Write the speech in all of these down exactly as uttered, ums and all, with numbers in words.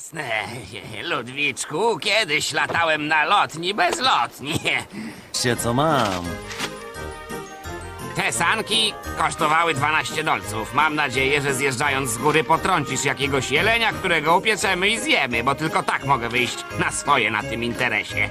Jasne, Ludwiczku, kiedyś latałem na lotni bezlotni. Się co mam. Te sanki kosztowały dwanaście dolców. Mam nadzieję, że zjeżdżając z góry potrącisz jakiegoś jelenia, którego upieczemy i zjemy, bo tylko tak mogę wyjść na swoje na tym interesie.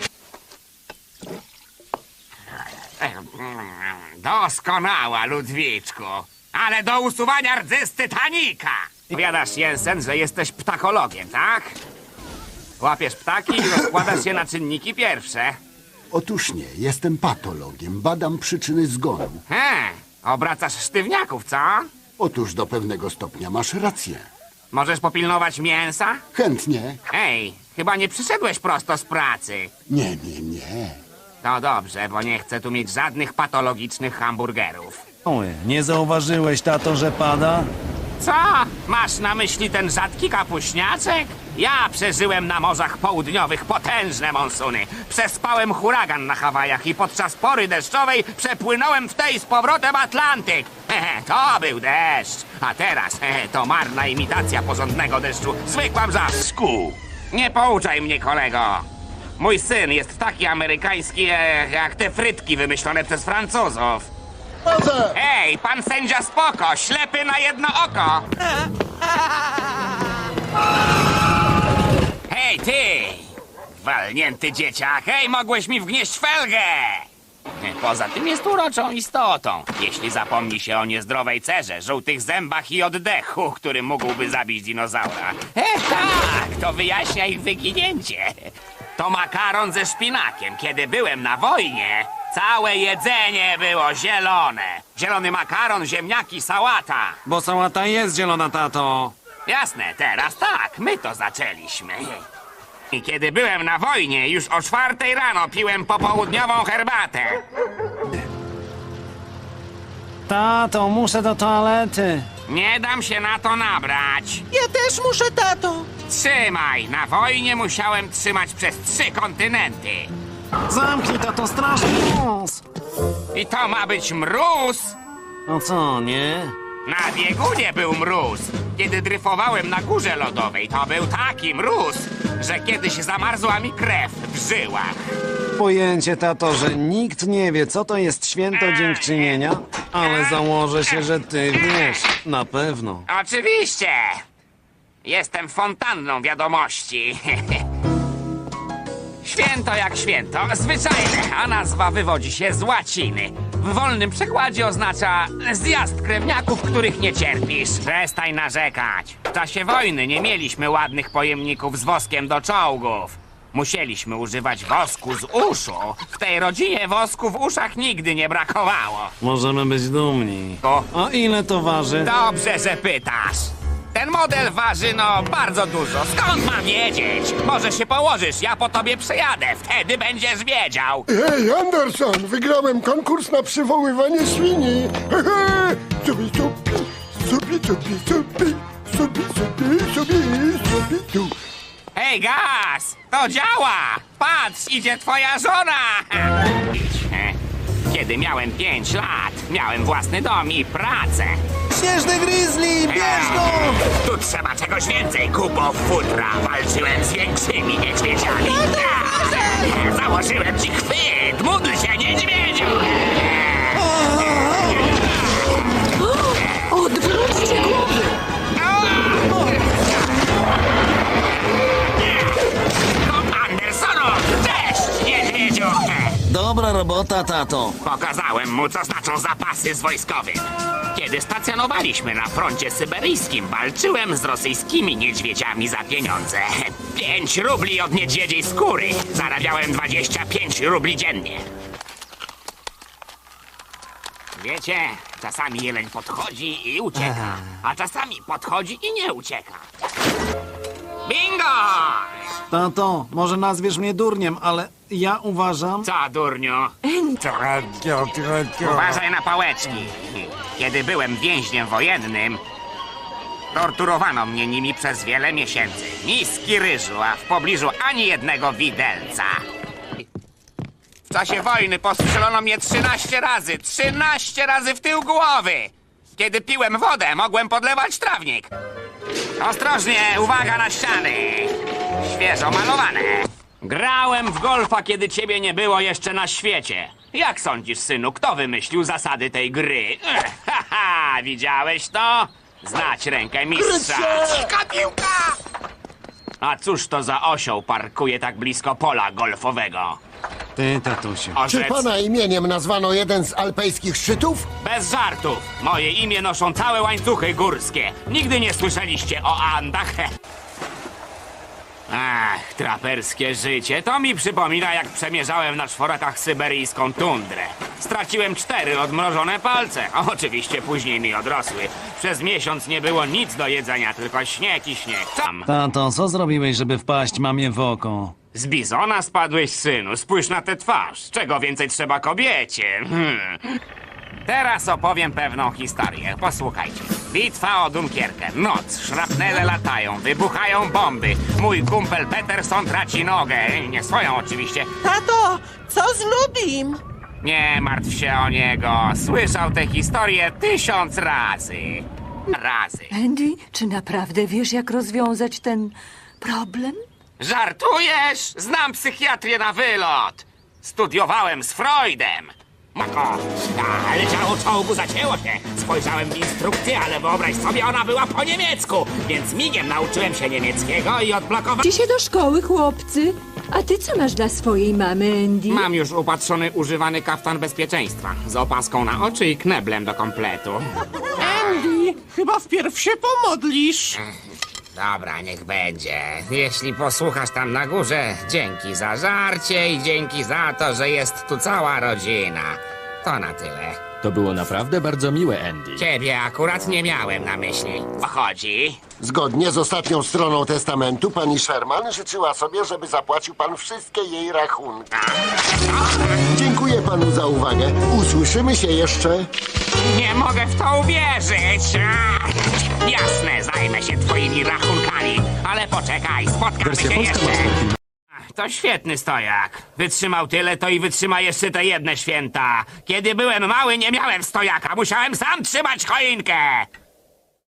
Doskonała, Ludwiczku. Ale do usuwania rdzy z Titanika. Powiadasz, Jensen, że jesteś ptakologiem, tak? Łapiesz ptaki i rozkładasz je na czynniki pierwsze. Otóż nie, jestem patologiem, badam przyczyny zgonu. He, obracasz sztywniaków, co? Otóż do pewnego stopnia masz rację. Możesz popilnować mięsa? Chętnie. Ej, chyba nie przyszedłeś prosto z pracy. Nie, nie, nie. To dobrze, bo nie chcę tu mieć żadnych patologicznych hamburgerów. Oj, nie zauważyłeś, tato, że pada? Co? Masz na myśli ten rzadki kapuśniaczek? Ja przeżyłem na morzach południowych potężne monsuny. Przespałem huragan na Hawajach i podczas pory deszczowej przepłynąłem w tej z powrotem Atlantyk. Hehe, to był deszcz. A teraz hehe, to marna imitacja porządnego deszczu. Zwykła brzasku. Nie pouczaj mnie, kolego. Mój syn jest taki amerykański e, jak te frytki wymyślone przez Francuzów. Ej, pan sędzia spoko, ślepy na jedno oko. Hej, ty! Walnięty dzieciak, hej, mogłeś mi wgnieść felgę! Poza tym jest uroczą istotą. Jeśli zapomni się o niezdrowej cerze, żółtych zębach i oddechu, który mógłby zabić dinozaura. E, tak, to wyjaśnia ich wyginięcie. To makaron ze szpinakiem. Kiedy byłem na wojnie, całe jedzenie było zielone. Zielony makaron, ziemniaki, sałata. Bo sałata jest zielona, tato. Jasne, teraz tak, my to zaczęliśmy. I kiedy byłem na wojnie, już o czwartej rano piłem popołudniową herbatę. Tato, muszę do toalety. Nie dam się na to nabrać. Ja też muszę, tato. Trzymaj, na wojnie musiałem trzymać przez trzy kontynenty. Zamknij, tato, straszny nos. I to ma być mróz? No co, nie? Na biegunie był mróz. Kiedy dryfowałem na górze lodowej, to był taki mróz, że kiedyś zamarzła mi krew w żyłach. Pojęcie, tato, że nikt nie wie, co to jest święto dziękczynienia, ale założę się, że ty wiesz, na pewno. Oczywiście. Jestem fontanną wiadomości. Święto jak święto, zwyczajne, a nazwa wywodzi się z łaciny. W wolnym przekładzie oznacza zjazd krewniaków, których nie cierpisz. Przestań narzekać. W czasie wojny nie mieliśmy ładnych pojemników z woskiem do czołgów. Musieliśmy używać wosku z uszu. W tej rodzinie wosku w uszach nigdy nie brakowało. Możemy być dumni. O. A ile to waży? Dobrze, że pytasz. Ten model waży, no, bardzo dużo. Skąd mam wiedzieć? Może się położysz, ja po tobie przejadę. Wtedy będziesz wiedział. Hej, Anderson, wygrałem konkurs na przywoływanie świni. Hehe, Subi, subi, subi, subi, subi, subi, subi, subi, subi, tu. Hej, Gaz! To działa! Patrz, idzie twoja żona! Kiedy miałem pięć lat, miałem własny dom i pracę. Śnieżny grizzly, bierz go! Tu trzeba czegoś więcej, kupo futra. Walczyłem z większymi niedźwiedziami. Założyłem ci chwyt! Módl się, niedźwiedziu! Odwróćcie głowy! Andersonu! Cześć, niedźwiedziu! Dobra robota, tato. Pokazałem mu, co znaczą zapasy z wojskowym. Kiedy stacjonowaliśmy na froncie syberyjskim, walczyłem z rosyjskimi niedźwiedziami za pieniądze. Pięć rubli od niedźwiedziej skóry. Zarabiałem dwadzieścia pięć rubli dziennie. Wiecie, czasami jeleń podchodzi i ucieka, a czasami podchodzi i nie ucieka. Bingo! Tato, może nazwiesz mnie durniem, ale ja uważam... Co, durniu? Uważaj na pałeczki. Kiedy byłem więźniem wojennym, torturowano mnie nimi przez wiele miesięcy. Miski ryżu, a w pobliżu ani jednego widelca. W czasie wojny postrzelono mnie trzynaście razy. Trzynaście razy w tył głowy. Kiedy piłem wodę, mogłem podlewać trawnik. Ostrożnie, uwaga na ściany. Świeżo malowane. Grałem w golfa, kiedy ciebie nie było jeszcze na świecie. Jak sądzisz, synu, kto wymyślił zasady tej gry? Ech, haha, widziałeś to? Znać rękę mistrza. Dzika piłka! A cóż to za osioł parkuje tak blisko pola golfowego? Ty, tatusiu. Czy Orzec, pana imieniem nazwano jeden z alpejskich szczytów? bez żartów. Moje imię noszą całe łańcuchy górskie. Nigdy nie słyszeliście o Andach? Ach, traperskie życie. To mi przypomina, jak przemierzałem na czworakach syberyjską tundrę. Straciłem cztery odmrożone palce. A oczywiście później mi odrosły. Przez miesiąc nie było nic do jedzenia, tylko śnieg i śnieg. Tam. Tato, co zrobiłeś, żeby wpaść mamie w oko? Z bizona spadłeś, synu. Spójrz na tę twarz. Czego więcej trzeba kobiecie? Hmm. Teraz opowiem pewną historię. Posłuchajcie. Bitwa o Dunkierkę. Noc. Szrapnele latają. Wybuchają bomby. Mój kumpel Peterson traci nogę. Nie swoją oczywiście. Tato, co z Lubim? Nie martw się o niego. Słyszał tę historię tysiąc razy. Razy. Andy, czy naprawdę wiesz, jak rozwiązać ten problem? Żartujesz? Znam psychiatrię na wylot. Studiowałem z Freudem. Mako, ale ciało czołgu zacięło się. Spojrzałem w instrukcję, ale wyobraź sobie, ona była po niemiecku. Więc migiem nauczyłem się niemieckiego i odblokowałem... Idźcie się do szkoły, chłopcy. A ty co masz dla swojej mamy, Andy? Mam już upatrzony używany kaftan bezpieczeństwa. Z opaską na oczy i kneblem do kompletu. Andy, chyba wpierw się pomodlisz. Dobra, niech będzie. Jeśli posłuchasz tam na górze, dzięki za żarcie i dzięki za to, że jest tu cała rodzina. To na tyle. To było naprawdę bardzo miłe, Andy. Ciebie akurat nie miałem na myśli. O chodzi? Zgodnie z ostatnią stroną testamentu, pani Sherman życzyła sobie, żeby zapłacił pan wszystkie jej rachunki. Dziękuję panu za uwagę. Usłyszymy się jeszcze. Nie mogę w to uwierzyć. Jasne, zajmę się twoimi rachunkami. Ale poczekaj, spotkamy Wersja się polska jeszcze. Master Film. To świetny stojak. Wytrzymał tyle, to i wytrzyma jeszcze te jedne święta. Kiedy byłem mały, nie miałem stojaka. Musiałem sam trzymać choinkę.